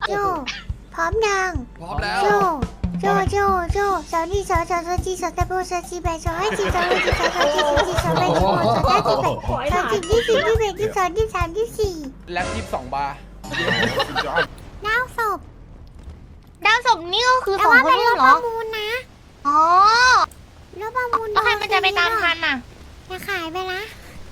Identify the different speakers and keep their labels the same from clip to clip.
Speaker 1: โจพร้อมยัง
Speaker 2: พร้อมแล้ว
Speaker 1: โจสาวนี่สาวจีสาวตะโบสาวจีแบสาวให้จีสาวให้จีสาวจีสาวแบสาวสาวจีแบสาวจีที่สี่ที่แบที่สองที่สามที่สี่
Speaker 2: แล็บ22 บาร์
Speaker 1: ดาวศพ
Speaker 3: ดาวศพนี่ก็คือ
Speaker 1: แต่
Speaker 3: สอง
Speaker 1: ว่า
Speaker 3: ค
Speaker 1: เป็น น
Speaker 3: นี้
Speaker 1: รถ
Speaker 3: เหร
Speaker 1: ป
Speaker 3: อ
Speaker 1: ระมูลนะ
Speaker 3: อ๋อ
Speaker 1: รถประมูล
Speaker 3: แล้วใครมันจะไปตามทันน่ะ
Speaker 1: จะขายไปละ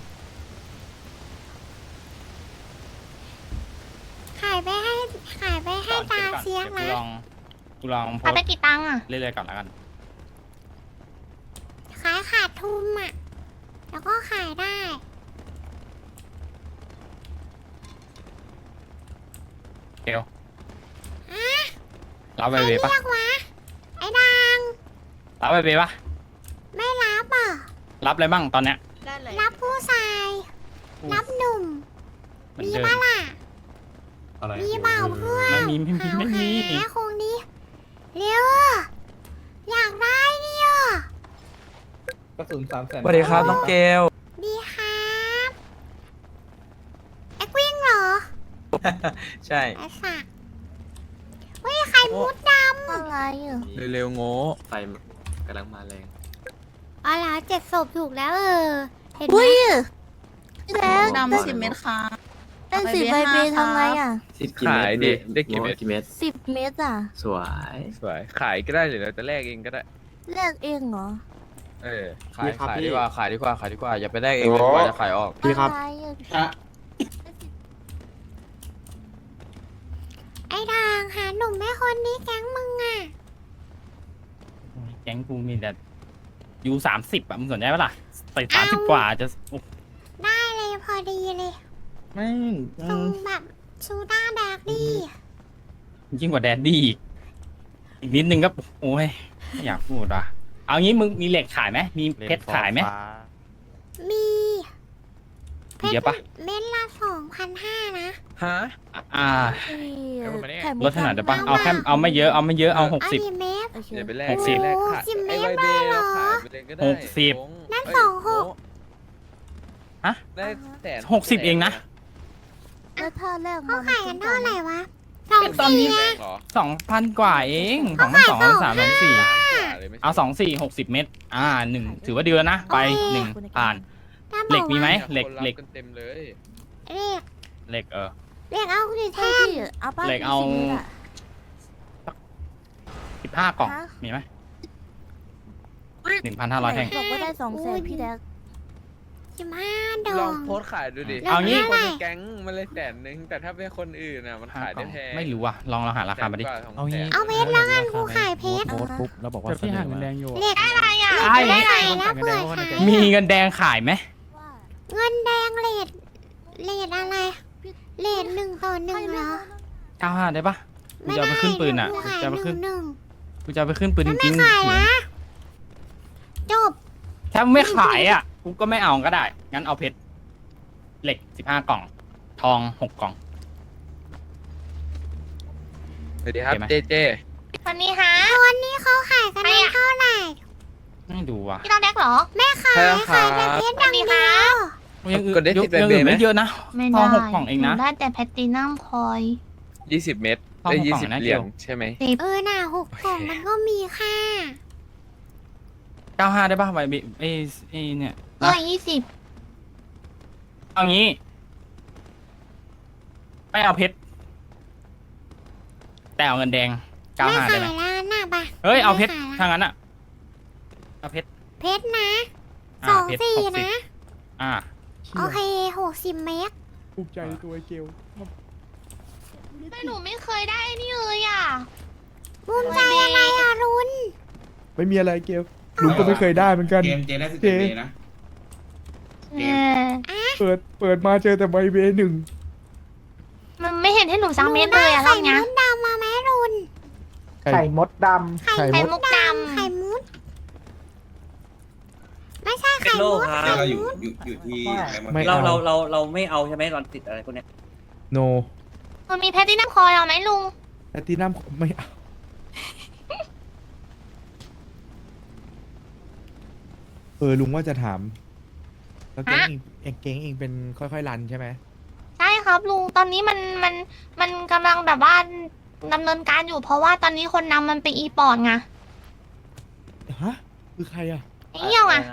Speaker 1: ขายไปให้ตาเสียงนะ
Speaker 4: กูลองโพ
Speaker 3: ขาย
Speaker 4: ส
Speaker 3: ไปกี่ตังค์อ่ะ
Speaker 4: เรื่อยๆก่อนแล้วกัน
Speaker 1: ขายขาดทุนอ่ะแล้วก็ขายได้
Speaker 4: เกล
Speaker 1: อะ
Speaker 4: รับ
Speaker 1: ใค
Speaker 4: ไป
Speaker 1: ร
Speaker 4: เว
Speaker 1: เรี
Speaker 4: ปะ
Speaker 1: ยกวะไอ้ดัง
Speaker 4: รับไปเวปะ
Speaker 1: ไม่รับอ่ะ
Speaker 4: รับอะไรบ้างตอนเนี้ย
Speaker 3: ได้เลย
Speaker 1: รับผู้ชายรับหนุ่ม
Speaker 4: เหมือน
Speaker 1: มี
Speaker 4: เดิม
Speaker 1: ปะล่ะ
Speaker 5: อะไร
Speaker 1: มีเปล่าเพื่อน
Speaker 4: ไม่มี
Speaker 1: หาคงนี้เร็วอยากได้เนี่ย
Speaker 5: กระสุน300,000
Speaker 6: สวัสดีครับน้องเกล
Speaker 1: ดีครับแอควิ่งเหรอ
Speaker 6: ใช่
Speaker 1: ไอ้สักเฮ้ยไข่มุดด
Speaker 3: อะไรอ่ะ
Speaker 6: เร็วๆโง่
Speaker 5: ไฟกำลังมาแรง
Speaker 1: ำอ๋อเหรอ7 ศพถูกแล้วเห็นไหม
Speaker 3: อุ้ยแจ๊ค
Speaker 7: ดำ10 เม็ดค่ะ
Speaker 3: เป็น10ใบเบทำไงอ่ะ
Speaker 5: 10 กี่เม็ด
Speaker 6: ขายดิได้กี่เม็ด
Speaker 5: กี่เม็ด
Speaker 3: 10 เม็ดอ่ะ
Speaker 5: สวย
Speaker 6: สวยขายก็ได้หรือเราจะแลกเองก็ได้
Speaker 3: แลกเองเหรอ
Speaker 6: ขายดีกว่าอย่าไปแลกเองเลยกว่าจะขายออก
Speaker 5: พี่ครับ
Speaker 3: อะไรอ่ะ
Speaker 1: ไอ้ด่างหาหนุ่มแม่คนนี้แก๊งมึงอ่ะ
Speaker 4: แก๊งกูมีแต่ยู30อะมึงสนใจปะล่ะใส่30 กว่าจะโอ้
Speaker 1: ได้เลยพอดีเลย
Speaker 4: ไม่
Speaker 1: ทรงแบบชูด้าแดกดี
Speaker 4: ยิ่งกว่าแดดดี้อีกนิดนึงก็โอ้ยไม่อยากพูดว่ะเอางี้มึงมีเหล็กขายไหมมีเพชรขายไหม
Speaker 1: มีเพช
Speaker 4: เยอะ
Speaker 1: ร
Speaker 4: ปะ
Speaker 1: เม็ดละ2,500นะ
Speaker 6: ฮะ
Speaker 4: อ่า
Speaker 3: ไข่มุก
Speaker 4: ลดขนาดได้ปะเอาแค่เอาไม่เยอะเอา
Speaker 1: อ
Speaker 4: 60
Speaker 1: ันนี้เม็ด
Speaker 3: โอเค
Speaker 6: อย่าไปแลก
Speaker 4: 60
Speaker 6: แลกขาย
Speaker 1: สิบเม
Speaker 6: ไอ้
Speaker 1: ตร
Speaker 6: ใบเบ
Speaker 1: เลยเหรอ
Speaker 6: ขายไปเลยก็ได้
Speaker 4: 60
Speaker 6: โง
Speaker 1: นั่น
Speaker 6: เอ้ย
Speaker 1: 26
Speaker 6: โง
Speaker 4: ฮะ
Speaker 6: ได้แสน
Speaker 4: 60เองนะ
Speaker 3: แล้วถ้าแลก
Speaker 1: เขาขายกันเท่าไหร่วะ
Speaker 4: ตอนนี้
Speaker 1: 24
Speaker 6: แร
Speaker 1: นะ
Speaker 6: งเหรอ
Speaker 4: 2,000 กว่าเอง2,200 3,400
Speaker 6: ล้านกว่าเลยไม่ใช่
Speaker 4: เอา60 เม็ด1ถือว่าดีแล้วนะไป1ผ่าน
Speaker 1: ถ้าบ
Speaker 4: เหล็
Speaker 1: อก
Speaker 4: มีไหม
Speaker 1: ว่า
Speaker 4: เหล็ก
Speaker 6: คนรับ
Speaker 4: เหล็ก
Speaker 6: กันเต็มเลย
Speaker 1: เหล็ก
Speaker 4: เหล็ก
Speaker 1: เหล็กเอาดิ
Speaker 3: ใช่
Speaker 1: แท่น
Speaker 3: พี่เอาป้า
Speaker 4: เหล็กเอา 15 กล่อง
Speaker 3: ฮะ
Speaker 4: มีไหม1,500 แท่ง
Speaker 3: บอกว่าได้200,000พี่แดก
Speaker 1: 15 ด
Speaker 6: ล
Speaker 1: อ
Speaker 6: อง
Speaker 1: ง
Speaker 6: โพสต์ขายดูดิ
Speaker 4: เอางี้
Speaker 6: คนในแก๊งมันเลย100,000แต่ถ้าเป็นคนอื่นน่ะมันขายได้แพง
Speaker 4: ไม่รู้ว่ะลองเราหาราคามาดิ
Speaker 6: 100,000 200,000
Speaker 8: เอางี้
Speaker 1: เอาเพชรแล้วกันกูขายเพชร
Speaker 8: โพสต์ปุ๊บแล้วบอกว่า
Speaker 4: แต่พี่
Speaker 8: เสน
Speaker 4: ห่า
Speaker 8: อง
Speaker 4: เงิน
Speaker 8: มา
Speaker 4: แดงอยู่
Speaker 1: เหล็ก
Speaker 3: อะไรอ่ะ
Speaker 1: เหล็กไม่ขายนะเผื่อขาย
Speaker 4: มีเงินแดงขายไหม
Speaker 3: ว่า
Speaker 1: เงินแดงเลดอะไรเลด1:1เหรอ
Speaker 4: 95ได้ปะกูจะเอาไปขึ้นปืนอ่ะ
Speaker 1: ไม่
Speaker 4: กู
Speaker 1: ได้
Speaker 4: จะเอาไปขึ้น
Speaker 1: หนึ่ง
Speaker 4: กูจะเอาไปขึ้นปืนจ
Speaker 1: ไม่
Speaker 4: ริง
Speaker 1: ขายนะจบ
Speaker 4: ๆถ้าไม่ขายอ่ะกูก็ไม่เอาก็ได้งั้นเอาเพชรเหล็ก15 กล่อง ทอง 6 กล่อง
Speaker 6: สวัสดีครับ
Speaker 4: โอเคไหม
Speaker 6: เจเจ
Speaker 3: วันนี้ฮะ
Speaker 1: วันนี้เขาขายกันได้เท่าไหร่
Speaker 4: ไม่ดูว่ะ
Speaker 3: พี่ต้องแดกเหรอ
Speaker 1: ไม่ขายขายแต่เพชรอย่างเดียว
Speaker 4: ยังอื่น
Speaker 6: กดได้
Speaker 4: ยัง
Speaker 6: 10
Speaker 4: อื่น
Speaker 6: ไหม
Speaker 4: ไม่เยอะนะ
Speaker 3: ไม่
Speaker 4: ทอ
Speaker 3: ได้
Speaker 4: ง6 กล่องเองนะ
Speaker 3: หได้แต่แพลตตินัมคอย
Speaker 6: 20 เม็ด
Speaker 4: ทอง
Speaker 6: ได้
Speaker 4: 6 กล่องนะ
Speaker 6: 20 เห
Speaker 4: เกี
Speaker 6: รีย
Speaker 4: ย
Speaker 6: ญ
Speaker 4: ว
Speaker 6: ใช่ไหม
Speaker 1: น่ะ6 กล่องมันก็มีค่า
Speaker 4: 95ได้ปะใบเอ้เนี่ย
Speaker 3: 120
Speaker 4: เอางี้ไม่เอาเพชรแต่เอาเงินแดง
Speaker 1: ไม่
Speaker 4: 95
Speaker 1: ขา
Speaker 4: ได้
Speaker 1: ย
Speaker 4: ไหม
Speaker 1: แล้วน่ะปะ
Speaker 4: เฮ้ยเอาเพชร
Speaker 1: ไม่ขย
Speaker 4: ถ้า
Speaker 1: ละ
Speaker 4: งั้นอ่ะเอาเพชร
Speaker 1: เพชรนะ
Speaker 4: เพชร
Speaker 1: 24
Speaker 4: 60
Speaker 1: นะ
Speaker 4: อ่า
Speaker 1: โอเค60 เมตร
Speaker 8: ภูมิใจในตัวไอ้เกล
Speaker 3: แต่หนูไม่เคยได้นี่เลยอ่ะ
Speaker 1: ภูมิใจอะไรอะรุน
Speaker 8: ไม่มีอะไรเกลลุงก็ไม่เคยได้เหมือนกัน
Speaker 5: เกมเจได้10
Speaker 8: เจ
Speaker 5: เมตรนะ
Speaker 8: เปิดมาเจอแต่ใบเบหนึ่ง
Speaker 3: มันไม่เห็นให้หนูสักเม็ดเลยอ่ะร
Speaker 1: ไข่
Speaker 3: อบเนี้ย
Speaker 1: มุดดำมาไหมรุน
Speaker 8: ไข่มดด
Speaker 1: ไข่
Speaker 3: ไข่
Speaker 1: มุ
Speaker 3: มุ
Speaker 1: ด
Speaker 3: กด
Speaker 1: ไข่มุด ไม่ใช่ไข่มุดไข่
Speaker 5: เราอยู่
Speaker 1: มุด
Speaker 5: อยู่ที่อะไรมา
Speaker 8: ไม่
Speaker 5: เรา
Speaker 8: เอา
Speaker 9: เราไม่เอาใช่ไหมตอนติดอะไรพวกเนี้ย
Speaker 8: โน
Speaker 3: ำมันมีแพลตตินัมคอยเอาไหมลุง
Speaker 8: แพตตินัมไม่เอาลุงว่าจะถามแล้วเก่งเองเป็นค่อยๆรันใช่ไหม
Speaker 3: ใช่ครับลุง ตอนนี้มันกำลังแบบว่าดำเนินการอยู่เพราะว่าตอนนี้คนนำมันเป็นอีปอดไง
Speaker 8: ฮะคือใครอ่ะ
Speaker 3: ไอ้เหี้ยวอ่ะ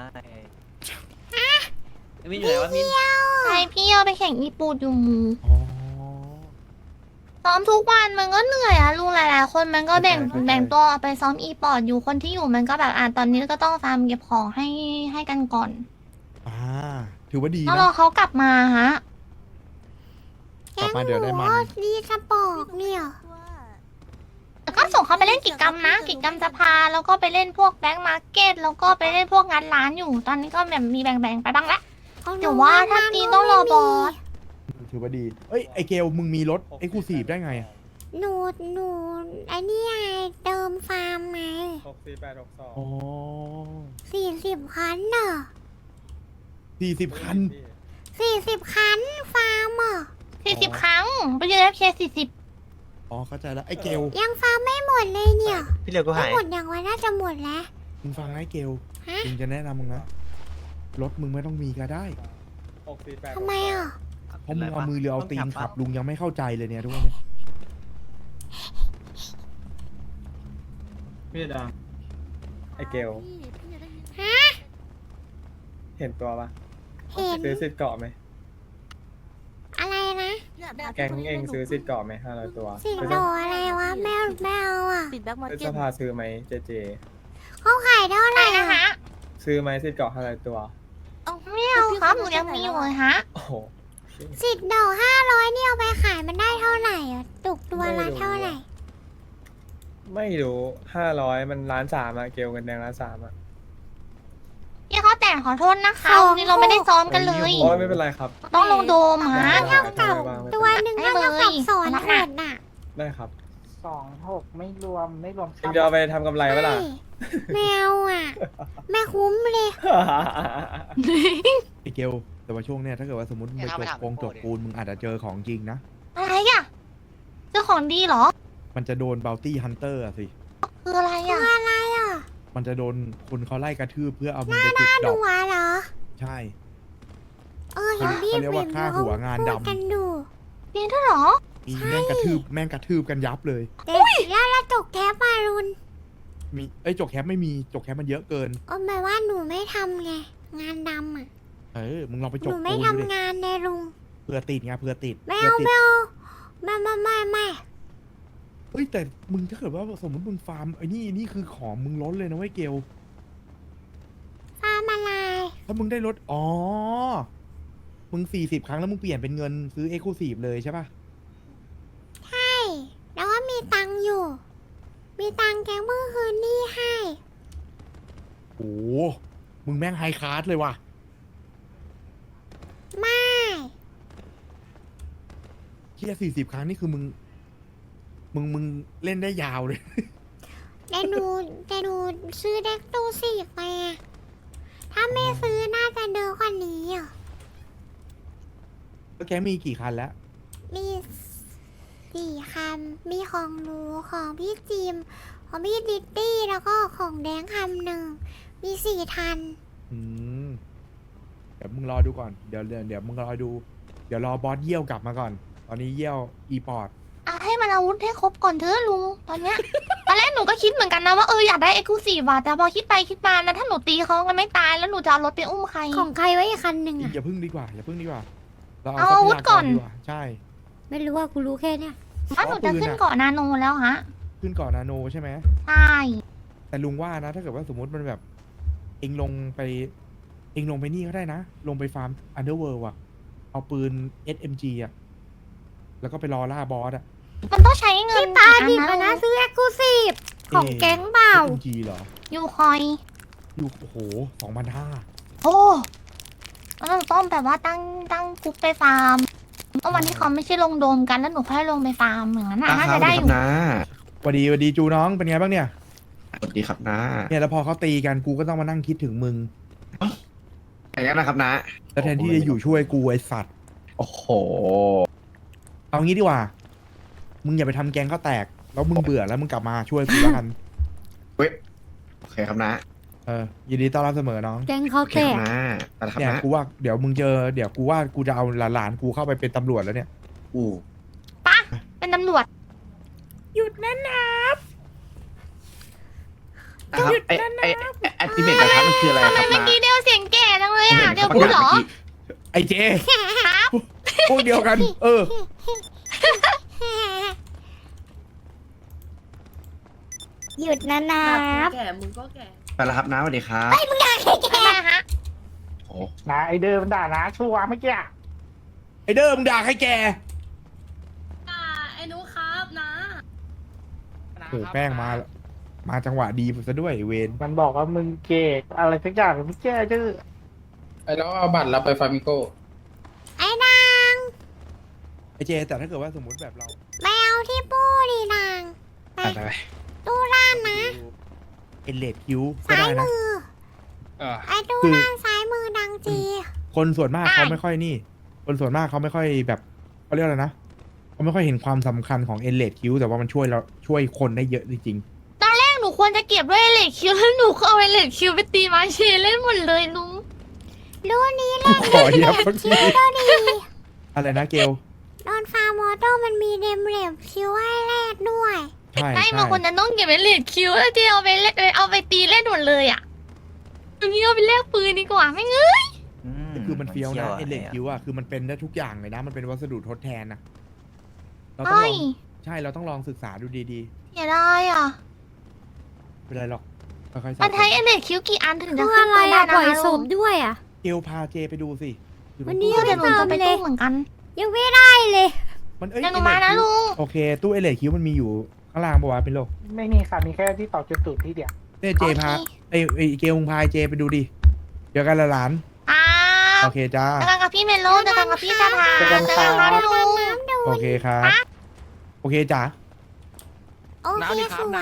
Speaker 9: มินอยู่ไหนวะมิน
Speaker 3: ใช่พี่เหี้ยวไปแข่งอีปูดอยู่
Speaker 8: อ๋อ
Speaker 3: ซ้อมทุกวันมันก็เหนื่อยอะลุงหลายๆคนมันก็แบ่ง
Speaker 8: เข้าใจ
Speaker 3: แบ่งตัวไปซ้อมอีปอดอยู่คนที่อยู่มันก็แบบตอนนี้ก็ต้องฟาร์มเก็บของให้กันก่อน
Speaker 8: อ่าถือว่าดี
Speaker 3: ต้อง
Speaker 8: นะ
Speaker 3: รอเขากลับมาฮะ
Speaker 8: กลับมาเดี๋ยวได้มัน
Speaker 1: ดีสปอร์กเนี่ย
Speaker 3: แล้วก็ส่งเขาไปเล่นกิจกรรมนะกิจกรรมสภาแล้วก็ไปเล่นพวกแบงก์มาร์เก็ตแล้วก็ไปเล่นพวกงานร้านอยู่ ตอนนี้ก็แบบมีแบ่งๆไปบ้างละ เดี๋ยวว่าถ้าตีต้องรอบอส
Speaker 8: ถือว่าดี เอ้ยไอเกลมึงมีรถเอ็กซ์คลูซีฟได้ไงอะ
Speaker 1: หนูไอ้นี่ไงเติมฟาร์มไง
Speaker 8: อ๋อ
Speaker 1: 40 คันเนอะ
Speaker 8: 40 คัน
Speaker 1: 40 คันฟาร์มอ่ะ
Speaker 3: 40 ครั้งไปยืน FK 40
Speaker 8: อ๋อเข้าใจแล้วไอเกล
Speaker 1: ยังฟาร์มไม่หมดเลยเนี่ย
Speaker 5: พี่เหลือก็
Speaker 1: ไม่
Speaker 5: หาย
Speaker 1: หมดอย่างว่าน่าจะหมดแล้ว
Speaker 8: มึงฟังนะไอเกล
Speaker 1: ฮะ
Speaker 8: มึงจะแนะนำมึงนะ รถมึงไม่ต้องมีก็ได้
Speaker 1: ทำไมอ่ะ
Speaker 8: เพราะมึงเอามือเรือเอาตีนขับลุงยังไม่เข้าใจเลยเนี่ยทุกวันนี้
Speaker 5: พี่ดาไอเกล
Speaker 1: ฮะ
Speaker 5: เห็นตัวปะ
Speaker 1: เห็น
Speaker 5: ซื้อสิทธิ์เกาะไหม
Speaker 1: อะไรนะ
Speaker 5: แกงเองซื้อสิทธิ์เกาะไหม500 ตัว
Speaker 1: สิ่งโดอะไรวะแมวอ่ะ
Speaker 2: ติดแบ็กมาร์
Speaker 5: ซื้อ
Speaker 2: เก็
Speaker 5: ส
Speaker 2: ต
Speaker 5: ภาซื้อไหมเจเจ
Speaker 1: เขาขายเท่าไหร่
Speaker 3: ได้นะ
Speaker 1: อะ
Speaker 3: ฮะ
Speaker 5: ซื้อไหมสิทธิ์เกาะ500 ตัว
Speaker 3: ไม่เอาครับหนูยังมีอยู่เลยฮะ
Speaker 5: โอ้โห
Speaker 1: สิทธิ์ดอก500นี่เอาไปขายมันได้เท่าไหร่อ่ะตกตัวละเท่าไหร่
Speaker 5: ไม่รู้500มัน1,300,000อะเกลกันแดง1,300,000อะ
Speaker 3: พี่เขาแต่ขอโทษนะคะวันนี้เราไม่ได้ซ้อมกันเลย
Speaker 5: โอ้ยไม่เป็นไรครับ
Speaker 3: ต้องลงโดมฮะ
Speaker 5: เท่ากับ
Speaker 1: ตัวหนึ่งเท่ากับสอนขวดน่ะ
Speaker 5: ได้ครับ
Speaker 7: 26ไม่รวม
Speaker 5: เองจะเอาไปทำกำไรปะล่ะ
Speaker 1: แมวอ่ะ แม่คุ้มเลย
Speaker 8: ไอเกลแต่ว่าช่วงเนี้ยถ้าเกิดว่าสมมติมึงไปจกจกปูนมึงอาจจะเจอของจริงนะ
Speaker 3: อะไรอ่ะเจ้าของดีเหรอ
Speaker 8: มันจะโดนบ o ลตี้ฮันเตอร์สิ
Speaker 3: คืออะไรอ่ะ
Speaker 1: อะไรอ่ะ
Speaker 8: มันจะโดนคนเขาไล่กระทืบเพื่อเอามึงไปจุดด
Speaker 1: ดู
Speaker 8: อก
Speaker 1: วะเหรอ
Speaker 8: ใช่
Speaker 1: เห็นพี่
Speaker 8: เขาเรียกว่าฆ่าหัวงานดำ
Speaker 1: พูกันดู
Speaker 3: ดีด้วยเหรอ
Speaker 8: มีแม่งกระทืบกันยับเลย
Speaker 1: เด็กแล้วตกแทบมารุน
Speaker 8: มีเอ้ยจกแคปไม่มีจกแคปมันเยอะเกิน
Speaker 1: หมายว่าหนูไม่ทำไง งานดำอ่ะ
Speaker 8: มึงลองไป
Speaker 1: ห
Speaker 8: จก
Speaker 1: นูไม่
Speaker 8: ปูน
Speaker 1: ทำ
Speaker 8: ดูดิ
Speaker 1: งานในลุง
Speaker 8: เผื่อติดไงเผื่อติด
Speaker 1: ไม่
Speaker 8: เผื่อ
Speaker 1: เอา
Speaker 8: ติด
Speaker 1: ไม่เอาไม่
Speaker 8: เฮ้ยแต่มึงถ้าเกิดว่าสมมติมึงฟาร์มไอ้นี่คือของมึงล้นเลยนะเว้ยเกล
Speaker 1: ฟาร์มอะไร
Speaker 8: ถ้ามึงได้รถอ๋อมึง40 ครั้งแล้วมึงเปลี่ยนเป็นเงินซื้อเอ็กซ์คลูซีฟเลยใช่ปะ
Speaker 1: ใช่แล้วก็มีตังค์อยู่ มีตังค์แกงเพิ่งคืนหนี่ให้
Speaker 8: โอ้โหมึงแม่งไฮคลาสเลยว่ะ
Speaker 1: ไม่
Speaker 8: เฮีย40 ครั้งนี่คือมึงเล่นได้ยาวเลย
Speaker 1: แต่หนูซื้อเด็กตู้สีไปอะถ้าไม่ซื้อน่าจะเดินกว่านี้อ่ะ
Speaker 8: แล้วแกมีกี่คันแล้ว
Speaker 1: มี4 คัน มีของหนูของพี่จิม ของพี่ดิตตี้แล้วก็ของแดงคำหนึ่ง มี4 คัน
Speaker 8: อืมเดี๋ยวมึงรอดูก่อน เดี๋ยวมึงรอดู เดี๋ยวรอบอสเยี่ยวกลับมาก่อน ตอนนี้เยี่ยวอีพอร์ต
Speaker 3: ให้มันอาวุธให้ครบก่อนเถอะลุงตอนเนี้ย ตอนแรกหนูก็คิดเหมือนกันนะว่าอยากได้เอ็กซ์คลูซีฟว่ะแต่พอคิดไปคิดมานะถ้าหนูตีเขากันไม่ตายแล้วหนูจะเอารถไปอุ้มใคร
Speaker 1: ของใครไว้อีกคันหนึ่งอ่ะ
Speaker 8: อย่าพึ่งดีกว่าเรา
Speaker 3: เอา
Speaker 8: เอา
Speaker 3: อาวุธก่อน
Speaker 8: ทรัพยากรดีกว่าใช่
Speaker 1: ไม่รู้ว่ากูรู้แค่เนี้ย
Speaker 3: ว่าหนูจะขึ้นเกาะนาโนแล้วฮะ
Speaker 8: ขึ้นเกาะนาโนใช่ไหม
Speaker 3: ใช่
Speaker 8: แต่ลุงว่านะ ถ้าเกิดว่าสมมติมันแบบ เองลงไปนี่ก็ได้นะ ลงไปฟาร์มอันเดอร์เวิลด์อะเอาปืน SMG อะแล้วก็ไปรอล่าบอสอะ
Speaker 3: มันต้องใช้เงิน
Speaker 1: พี่ปาดิบ
Speaker 3: กี่
Speaker 1: อะ
Speaker 3: อั
Speaker 1: นะซื้อเอ็กซ์คลูซีฟของแก๊งเปล่า
Speaker 8: SMG เหรอ
Speaker 3: อยู่คอย
Speaker 8: อยู่โอ้โห2,500
Speaker 3: โอ้แล้วหนูต้องแบบว่าตั้งกรุ๊ปไปฟาร์มก็วันที่เขาไม่ใช่ลงโดมกันแล้วหนูค่อยลงไปฟาร์มอย่างนั้นน่าจะได้อยู่
Speaker 8: สวัสดีจูน้องเป็นไงบ้างเนี่ย
Speaker 10: สวัสดีครับนะ
Speaker 8: เนี่ยแล้วพอเขาตีกันกูก็ต้องมานั่งคิดถึงมึง
Speaker 10: อย่างนั้นนะครับนะ
Speaker 8: แล้วแทนที่จะอยู่ช่วยกูไอสัตว์
Speaker 10: โอ้โห
Speaker 8: เอางี้ดีกว่า มึงอย่าไปทำแกงข้าวแตก แล้วมึงเบื่อแล้วมึงกลับมาช่วยกูแล้วกัน
Speaker 10: เว้ยโอเคครับนะ
Speaker 8: ยินดีต้อนรับเสมอน้อง
Speaker 1: แก๊งเขา
Speaker 10: โอเค
Speaker 1: แต
Speaker 10: ครั
Speaker 1: ก
Speaker 10: บนะไปแล้วครับ
Speaker 8: เนี่ย
Speaker 10: นะ
Speaker 8: กูว่าเดี๋ยวมึงเจอเดี๋ยวกูว่ากูจะเอาหลานๆกูเข้าไปเป็นตำรวจแล้วเนี่ย
Speaker 10: อู้
Speaker 3: เป็นตำรวจ
Speaker 1: ยู
Speaker 8: นะนะ
Speaker 10: นะครับไอแอคทีเมตกระทะมันคืออะไร
Speaker 3: ทำ
Speaker 10: ค
Speaker 3: ไม
Speaker 10: รับ
Speaker 3: เมื่อ
Speaker 10: นะ
Speaker 3: กี้เดียวเสียงแก่จังเลยอ่ะเดียวพูดเหรอ
Speaker 8: ไอเจพวกเดียวกัน
Speaker 1: หยุดนะนับ
Speaker 2: แก่มึงก็แก่
Speaker 10: ไปแล้วครับน้าสวัสดีครับ
Speaker 3: ทำไมฮะ
Speaker 10: โอ้
Speaker 7: นะไอเดิมด่านะชัวร์เมื่อกี้
Speaker 8: ไอเดิมด่าใครแก
Speaker 2: ไอ้นุครับนะ
Speaker 8: โอ้แป้งมาจังหวะดีซะด้วยเวน
Speaker 7: มันบอกว่ามึงเกกอะไรสักอย่างไม่แก้ชื่อ
Speaker 6: ไอ้แล้วเอาบัตรเราไปฟามิโก้
Speaker 1: ไอ้นาง
Speaker 8: ไอเจแต่ถ้าเกิดว่าสมมติแบบเรา
Speaker 1: ไปเอาที่ปู้ดินางไป
Speaker 8: ไป
Speaker 1: ตู้ร้านนะ
Speaker 8: เอเลดคิวก็
Speaker 1: ซ้าย
Speaker 8: ได้นะ
Speaker 1: มือ ไอ้ตู้
Speaker 8: คือ
Speaker 1: ร้านซ้ายมือดังจี
Speaker 8: คนส่วนมากเขาไม่ค่อยนี่ คนส่วนมากเขาไม่ค่อยแบบเขาเรียกอะไรนะเขาไม่ค่อยเห็นความสำคัญของเอเลดคิวแต่ว่ามันช่วยคนได้เยอะจริง
Speaker 3: ตอนแรกหนูควรจะเก็บด้วยเลดคิวแล้วหนูก็เอาเลดคิวไปตีมาเชเล่นหมดเลยลุง
Speaker 1: รู้นี้เล่น
Speaker 8: ขอเยียบ
Speaker 1: คิวก็ดี
Speaker 8: อะไรนะเกล
Speaker 1: โดนฟาร์มอโต้มันมีเดมเรบคิวให้แลกด้วย
Speaker 8: ใช่
Speaker 3: ไอ้
Speaker 8: ใช่
Speaker 3: มันควรจะต้องเก็บไว้เลดคิวแล้วที่เอาไปเล่นเอาไปตีเล่นหมดเลยอ่ะตรงนี้เอาไปแลกปืนดีกว่าไม่เงย
Speaker 8: คือมันเฟี้ยวนะเอเลดคิวอ่ะคือมันเป็นได้ทุกอย่างเลยนะ มันเป็นวัสดุทดแทนนะเราต้องล
Speaker 3: ใช่
Speaker 8: องใช่เราต้องลองศึกษาดูดี
Speaker 3: อย่าได้อ่ะ
Speaker 8: ๆไม่เป็นไรหรอกค่อยๆ
Speaker 3: มันใช้เลดคิวกี่อันถึงจะขึ้นไปได้นะคะลุง
Speaker 1: ด้วยอ่ะ
Speaker 8: เกลพาเจไปดูสิอยู่ตรง
Speaker 1: วันนี้
Speaker 8: ตู้
Speaker 3: เดี๋ยวหนูจะไปตู้เหมือนกัน
Speaker 1: ยังไม่ได้เลย
Speaker 8: มันเอ้ย
Speaker 3: เดี๋ยวหนูมานะลุง
Speaker 8: โอเคตู้เอเลดคิวมันมีอยู่ข้างล่างปะวะเป็นโลก
Speaker 7: ไม่มีค่ะมีแค่ที่ต่อจุดตูดที่เดียว
Speaker 8: เจพาไอเกลมึงพาเจไปดูดิเดี๋ยวกันละหลาน
Speaker 3: อ้าว
Speaker 8: โอเคจ้า
Speaker 3: เจอกันกับพี่เมโลเจอกันกับพี่สถาเจอกันครับลุง
Speaker 8: โอเคครับ โอเคจ้า
Speaker 1: โอเคสวย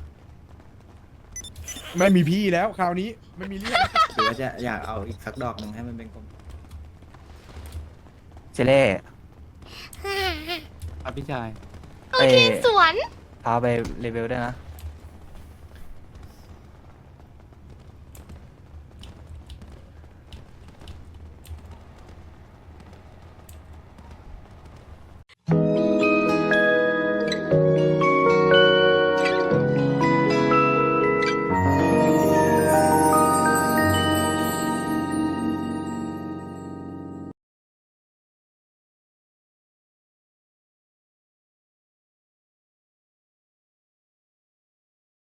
Speaker 8: ไม่มีพี่แล้วคราวนี้ไม่มีเรื่อง
Speaker 9: หรือว่าจะอยากเอาอีกสักดอกหนึ่งให้มันเป็นกลม
Speaker 6: เจเล่
Speaker 1: ฮ่า
Speaker 6: ครับพี่ชาย
Speaker 3: โอเคสวน
Speaker 6: พาไปเลเวลได้นะ